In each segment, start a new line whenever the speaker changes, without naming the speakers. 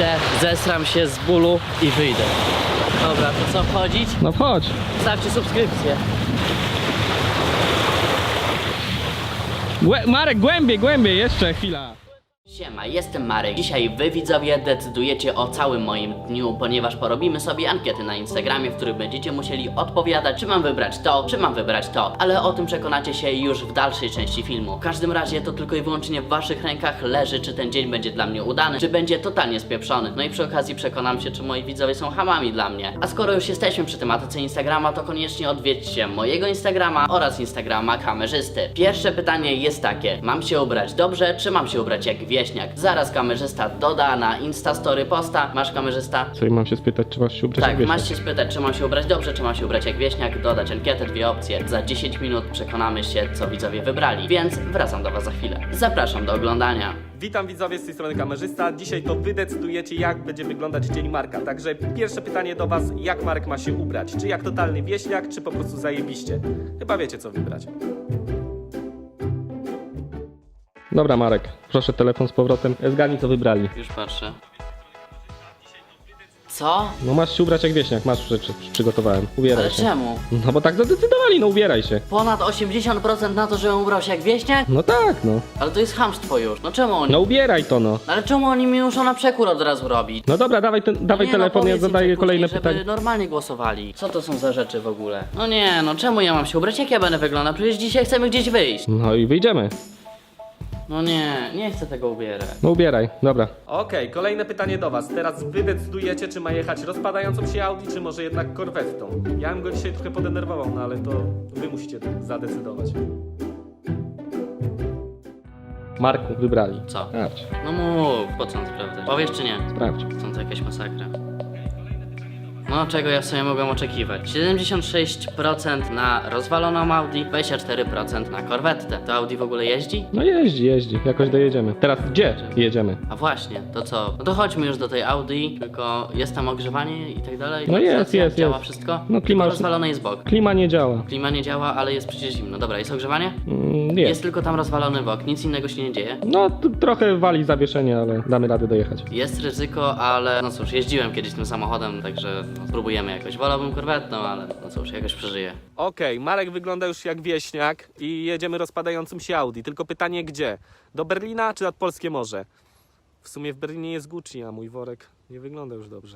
Wejdę, zesram się z bólu i wyjdę. Dobra, to co, wchodzić?
No wchodź.
Stawcie subskrypcję.
Marek, głębiej, jeszcze chwila.
Siema, jestem Marek. Dzisiaj wy widzowie decydujecie o całym moim dniu, ponieważ porobimy sobie ankiety na Instagramie, w których będziecie musieli odpowiadać, czy mam wybrać to, czy mam wybrać to. Ale o tym przekonacie się już w dalszej części filmu. W każdym razie to tylko i wyłącznie w waszych rękach leży, czy ten dzień będzie dla mnie udany, czy będzie totalnie spieprzony. No i przy okazji przekonam się, czy moi widzowie są hamami dla mnie. A skoro już jesteśmy przy tematyce Instagrama, to koniecznie odwiedźcie mojego Instagrama oraz Instagrama kamerzysty. Pierwsze pytanie jest takie: mam się ubrać dobrze, czy mam się ubrać jak wieśniak? Zaraz kamerzysta doda na Instastory posta. Masz, kamerzysta?
Co, i mam się spytać, czy masz się ubrać jak
Tak,
wieśniak?
masz się spytać, czy mam się ubrać dobrze, czy mam się ubrać jak wieśniak, dodać ankietę, dwie opcje. Za 10 minut przekonamy się, co widzowie wybrali, więc wracam do was za chwilę. Zapraszam do oglądania.
Witam widzowie, z tej strony kamerzysta. Dzisiaj to wy decydujecie, jak będzie wyglądać dzień Marka. Także pierwsze pytanie do was: jak Marek ma się ubrać? Czy jak totalny wieśniak, czy po prostu zajebiście? Chyba wiecie, co wybrać.
Dobra, Marek, proszę telefon z powrotem. Zgadnij, co wybrali.
Już patrzę. Co?
No masz się ubrać jak wieśniak, masz rzeczy, przygotowałem. Ubieraj
Ale
się.
czemu?
No bo tak zadecydowali, no ubieraj się.
Ponad 80% na to, żebym ubrał się jak wieśniak?
No tak, no.
Ale to jest chamstwo już. No czemu oni?
No ubieraj to, no.
Ale czemu oni mi muszą na przekór od razu robić?
No dobra, dawaj
Nie,
telefon, ja
powiedz im
zadaję
później,
kolejne
żeby
pytanie.
normalnie głosowali. Co to są za rzeczy w ogóle? No nie, no czemu ja mam się ubrać? Jak ja będę wyglądał? Przecież dzisiaj chcemy gdzieś wyjść.
No i wyjdziemy.
No nie chcę tego ubierać.
No ubieraj, dobra.
Okej, kolejne pytanie do was. Teraz wy decydujecie, czy ma jechać rozpadającą się Audi, czy może jednak korwettą. Ja bym go dzisiaj trochę podenerwował, no ale to wy musicie zadecydować.
Marku, wybrali.
Co?
Sprawdź,
No mów, po co on sprawdzać? Powiesz czy nie?
sprawdź.
Są to jakieś masakra. No, czego ja sobie mogłem oczekiwać? 76% na rozwaloną Audi, 24% na korwettę. To Audi w ogóle jeździ?
No jeździ, jakoś dojedziemy. Teraz gdzie jedziemy?
A właśnie, to co? No to chodźmy już do tej Audi, tylko jest tam ogrzewanie i tak dalej?
No
Klimatyzacja,
jest.
Działa wszystko?
No klima-
Tylko rozwalony jest bok.
Klima nie działa.
Klima nie działa, ale jest przecież zimno. Dobra, jest ogrzewanie?
Jest.
Jest tylko tam rozwalony bok, nic innego się nie dzieje.
No trochę wali zawieszenie, ale damy radę dojechać.
Jest ryzyko, ale no cóż, jeździłem kiedyś tym samochodem, także no, spróbujemy jakoś. Wolałbym korwetną, ale no cóż, jakoś przeżyję.
Okej, Marek wygląda już jak wieśniak i jedziemy rozpadającym się Audi. Tylko pytanie gdzie? Do Berlina czy nad Polskie Morze? W sumie w Berlinie jest Gucci, a mój worek nie wygląda już dobrze.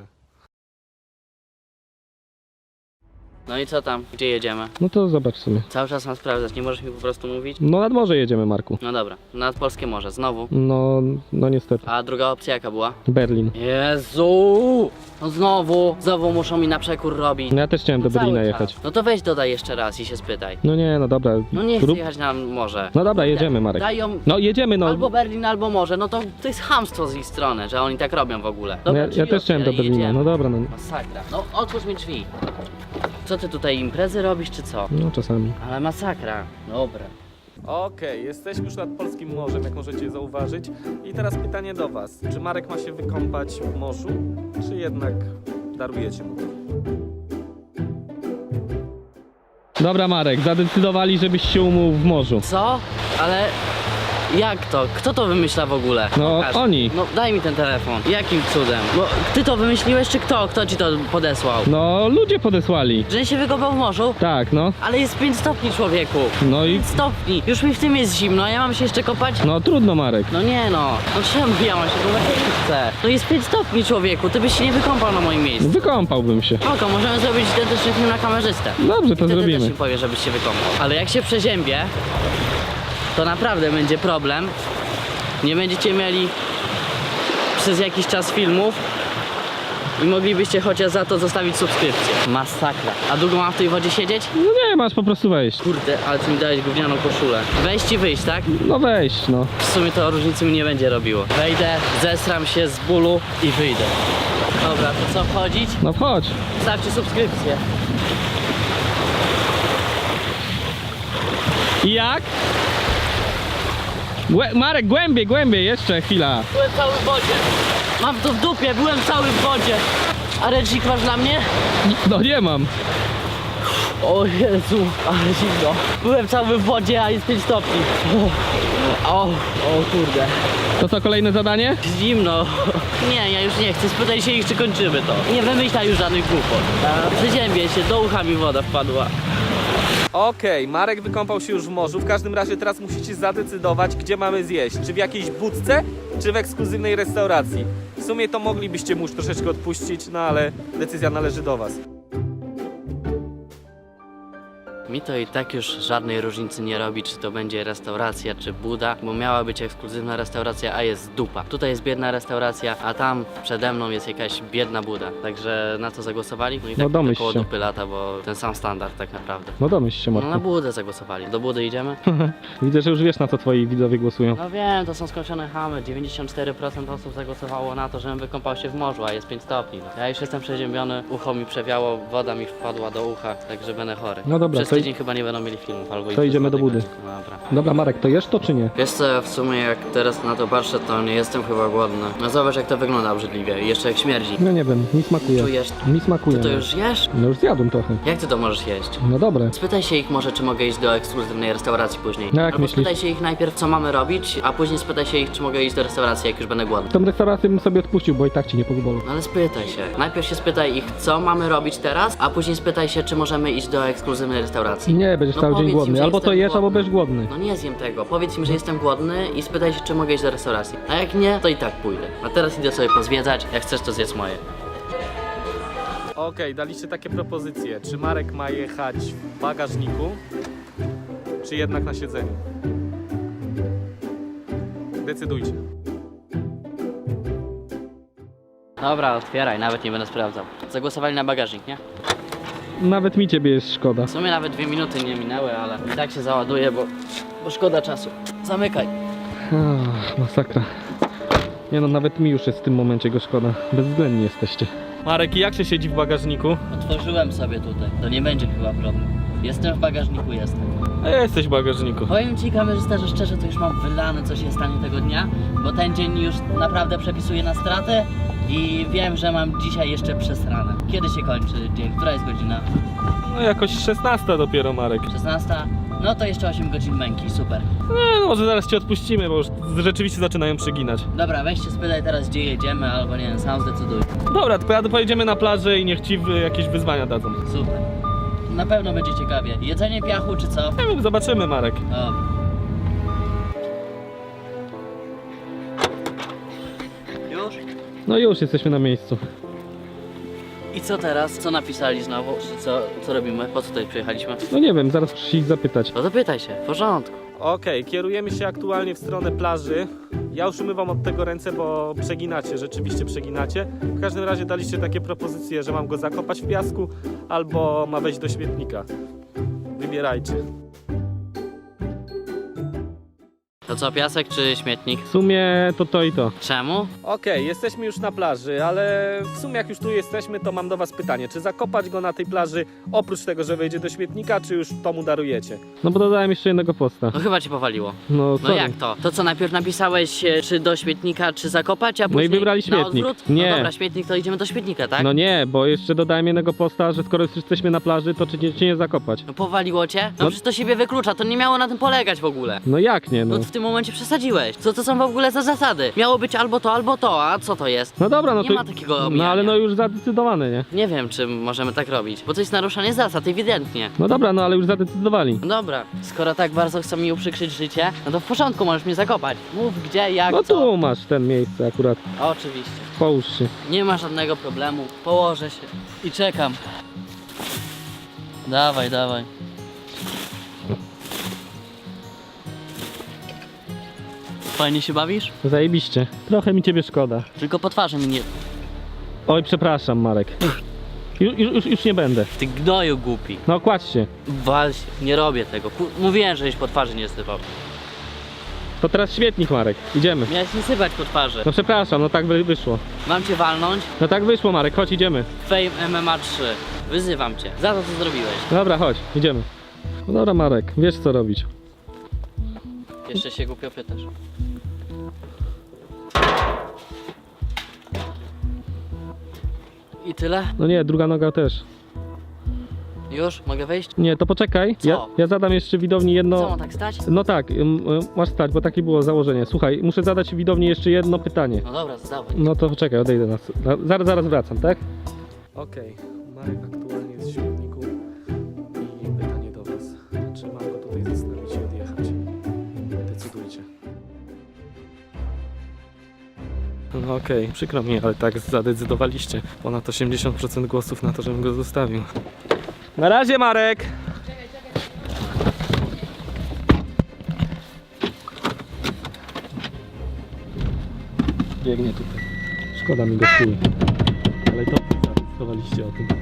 No i co tam? Gdzie jedziemy?
No to zobacz w sumie.
Cały czas mam sprawdzać, nie możesz mi po prostu mówić?
No nad morze jedziemy, Marku.
No dobra, nad Polskie Morze, znowu.
No niestety.
A druga opcja jaka była?
Berlin.
Jezu! No znowu muszą mi na przekór robić.
No ja też chciałem do
Cały
Berlina
czas.
jechać.
No to weź dodaj jeszcze raz i się spytaj.
No nie, no dobra.
No nie chcę jechać na morze.
No dobra, jedziemy, Marek.
Dają
No jedziemy, no.
albo Berlin, albo morze. No to jest chamstwo z ich strony, że oni tak robią w ogóle.
No
Dobra,
ja
drzwi
też chciałem do
otwieraj,
Berlina.
jedziemy.
No dobra, no.
Masakra. No otwórz mi drzwi. Co ty tutaj imprezy robisz, czy co?
No czasami.
Ale masakra. Dobra.
Okej, jesteśmy już nad Polskim Morzem, jak możecie zauważyć. I teraz pytanie do was. Czy Marek ma się wykąpać w morzu, czy jednak darujecie mu to?
Dobra, Marek, zadecydowali, żebyś się umył w morzu.
Co? Ale jak to? Kto to wymyśla w ogóle?
No, oni.
No daj mi ten telefon. Jakim cudem? Bo ty to wymyśliłeś, czy kto? Kto ci to podesłał?
No ludzie podesłali.
Że się wykopał w morzu?
Tak, no.
Ale jest 5 stopni, człowieku.
No i
5 stopni. Już mi w tym jest zimno, a ja mam się jeszcze kopać?
no trudno, Marek.
No nie no. No czemu ja mam się kopać? Ja nie chcę. No jest 5 stopni, człowieku. Ty byś się nie wykąpał na moim miejscu.
Wykąpałbym się.
Spoko, możemy zrobić identyczny film na kamerzystę.
Dobrze, to
Wtedy też
zrobimy.
mi powie, żebyś się wykąpał. Ale jak się przeziębię, to naprawdę będzie problem. Nie będziecie mieli przez jakiś czas filmów i moglibyście chociaż za to zostawić subskrypcję. Masakra. A długo mam w tej wodzie siedzieć?
No nie, masz po prostu wejść.
Kurde, ale ty mi dałeś gównianą koszulę. Wejść i wyjść, tak?
No wejść, no.
W sumie to różnicy mi nie będzie robiło. Wejdę, zesram się z bólu i wyjdę. Dobra, to co, wchodzić?
No wchodź.
Stawcie subskrypcję.
I jak? Marek, głębiej, jeszcze chwila.
Byłem cały w wodzie. Mam to w dupie, byłem cały w wodzie. A ręcznik masz dla mnie?
No nie mam.
O Jezu, ale zimno. Byłem cały w wodzie, a jest 5 stopni. O kurde.
To co, kolejne zadanie?
Zimno. Nie, ja już nie chcę. Spytaj się ich, czy kończymy to. Nie wymyślaj już żadnych głupot. Przeziębię się, do ucha mi woda wpadła.
Okej, Marek wykąpał się już w morzu. W każdym razie teraz musicie zadecydować, gdzie mamy zjeść. Czy w jakiejś budce, czy w ekskluzywnej restauracji. W sumie to moglibyście mu już troszeczkę odpuścić, no ale decyzja należy do was.
Mi to i tak już żadnej różnicy nie robi, czy to będzie restauracja, czy buda, bo miała być ekskluzywna restauracja, a jest dupa. Tutaj jest biedna restauracja, a tam przede mną jest jakaś biedna buda. Także na to zagłosowali? No i tak
No domyśl
koło
się.
dupy lata, bo ten sam standard tak naprawdę.
No domyśl się,
No na
Marku.
budę zagłosowali. Do budy idziemy?
Widzę, że już wiesz, na co twoi widzowie głosują.
No wiem, to są skończone chamy. 94% osób zagłosowało na to, żebym wykąpał się w morzu, a jest 5 stopni. No. Ja już jestem przeziębiony, ucho mi przewiało, woda mi wpadła do ucha, także będę chory.
No dobra,
Przez
to
tydzień chyba nie będą mieli filmów, albo
to
i
idziemy do budy.
Dobra.
Dobra, Marek, to jesz to czy nie?
Wiesz co, w sumie jak teraz na to patrzę, to nie jestem chyba głodny. No zobacz jak to wygląda obrzydliwie i jeszcze jak śmierdzi.
No nie wiem, mi smakuje.
Czujesz?
Mi smakuje.
Ty to już jesz?
No już zjadłem trochę.
Jak ty to możesz jeść?
No dobre.
Spytaj się ich może, czy mogę iść do ekskluzywnej restauracji później.
No jak
Albo
myślisz?
spytaj się ich najpierw, co mamy robić, a później spytaj się ich, czy mogę iść do restauracji, jak już będę głodny.
Tą restaurację bym sobie odpuścił, bo i tak ci nie pozwolę.
No ale spytaj się. Najpierw się spytaj ich, co mamy robić teraz, a później spytaj się, czy możemy iść do ekskluzywnej restauracji.
Nie, będziesz
No
cały dzień
powiedz im,
głodny.
że
Albo to
jestem
jesz, albo
głodny.
będziesz głodny.
No nie zjem tego. Powiedz im, że jestem głodny i spytaj się, czy mogę iść do restauracji. A jak nie, to i tak pójdę. A teraz idę sobie pozwiedzać. Jak chcesz, to zjedz moje.
Okej, daliście takie propozycje. Czy Marek ma jechać w bagażniku, czy jednak na siedzeniu? Decydujcie.
Dobra, otwieraj, nawet nie będę sprawdzał. Zagłosowali na bagażnik, nie?
Nawet mi ciebie jest szkoda.
W sumie nawet 2 minuty nie minęły, ale i tak się załaduje, bo szkoda czasu. Zamykaj.
Masakra. Nie no, nawet mi już jest w tym momencie go szkoda. Bezwzględni jesteście.
Marek, jak się siedzi w bagażniku?
Otworzyłem sobie tutaj. To nie będzie chyba problem. Jestem w bagażniku, jestem.
A ja jesteś w bagażniku.
Powiem ci, kamerzysta, że szczerze to już mam wylane, co się stanie tego dnia, bo ten dzień już naprawdę przepisuje na stratę i wiem, że mam dzisiaj jeszcze przesrane. Kiedy się kończy dzień? Która jest godzina?
No jakoś 16 dopiero, Marek.
16? No to jeszcze 8 godzin męki, super.
Nie, no może zaraz cię odpuścimy, bo już rzeczywiście zaczynają przeginać.
Dobra, weź się spytaj teraz, gdzie jedziemy, albo nie wiem, sam zdecyduj.
Dobra, to pojedziemy na plażę i niech ci jakieś wyzwania dadzą.
Super. Na pewno będzie ciekawie. Jedzenie piachu czy co?
Nie wiem, zobaczymy, Marek.
Dobra. Już?
No już jesteśmy na miejscu.
I co teraz? Co napisali znowu? Co robimy? Po co tutaj przyjechaliśmy?
No nie wiem, zaraz muszę ich zapytać.
No zapytaj się, w porządku.
Okej, kierujemy się aktualnie w stronę plaży. Ja już umywam od tego ręce, bo przeginacie, rzeczywiście przeginacie. W każdym razie daliście takie propozycje, że mam go zakopać w piasku, albo ma wejść do śmietnika. Wybierajcie.
To co, piasek czy śmietnik?
W sumie to i to.
Czemu?
Okej, jesteśmy już na plaży, ale w sumie jak już tu jesteśmy, to mam do was pytanie. Czy zakopać go na tej plaży, oprócz tego, że wejdzie do śmietnika, czy już to mu darujecie?
No bo dodałem jeszcze jednego posta.
No chyba cię powaliło.
No,
No
sorry.
jak to? To co, najpierw napisałeś czy do śmietnika, czy zakopać, a
No i
później
wybrali
na
śmietnik.
odwrót?
Nie.
No dobra, śmietnik, to idziemy do śmietnika, tak?
No nie, bo jeszcze dodałem jednego posta, że skoro już jesteśmy na plaży, to czy nie zakopać?
No powaliło cię? No
No.
przecież to siebie wyklucza, to nie miało na tym polegać w ogóle.
No jak nie, no.
No w tym momencie przesadziłeś. Co to są w ogóle za zasady? Miało być albo to, a co to jest?
No dobra, no
Nie
to...
ma takiego
No
omijania.
ale no już zadecydowane, nie?
Nie wiem, czy możemy tak robić, bo to jest naruszanie zasad, ewidentnie.
No dobra, no ale już zadecydowali.
No dobra, skoro tak bardzo chcą mi uprzykrzyć życie, no to w porządku, możesz mnie zakopać. Mów gdzie, jak,
No
co.
tu masz ten miejsce akurat.
Oczywiście.
Połóż się.
Nie ma żadnego problemu. Położę się i czekam. Dawaj, dawaj. Fajnie się bawisz?
Zajebiście. Trochę mi ciebie szkoda.
Tylko po twarzy mi nie...
Oj, przepraszam, Marek. Już nie będę.
Ty gnoju głupi.
No kładź się.
Wal się. Nie robię tego. Mówiłem, żeś po twarzy nie sypał.
To teraz śmietnik, Marek. Idziemy.
Miałeś nie sypać po twarzy.
No przepraszam, no tak wyszło.
Mam cię walnąć?
No tak wyszło, Marek, chodź, idziemy.
Fame MMA 3. Wyzywam cię. Za to, co zrobiłeś.
Dobra, chodź, idziemy. No dobra, Marek, wiesz co robić.
Jeszcze się głupio pytasz. I tyle?
No nie, druga noga też.
Już? Mogę wejść?
Nie, to poczekaj.
Co?
Ja zadam jeszcze widowni
Co,
jedno...
mam tak stać?
No tak, masz stać, bo takie było założenie. Słuchaj, muszę zadać widowni jeszcze jedno pytanie.
No dobra, zdawaj.
No to poczekaj, odejdę zaraz wracam, tak?
Okej, Marek aktualnie jest w śmietniku i pytanie do was. Czy mam go tutaj zostawić i odjechać? Decydujcie. No okej, przykro mi, ale tak zadecydowaliście. Ponad 80% głosów na to, żebym go zostawił. Na razie, Marek! Biegnie tutaj.
Szkoda mi go chuj.
Ale to wy zadecydowaliście o tym.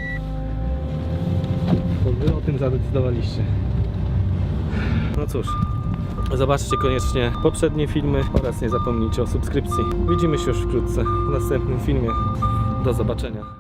To wy o tym zadecydowaliście. No cóż, zobaczcie koniecznie poprzednie filmy oraz nie zapomnijcie o subskrypcji. Widzimy się już wkrótce w następnym filmie. Do zobaczenia.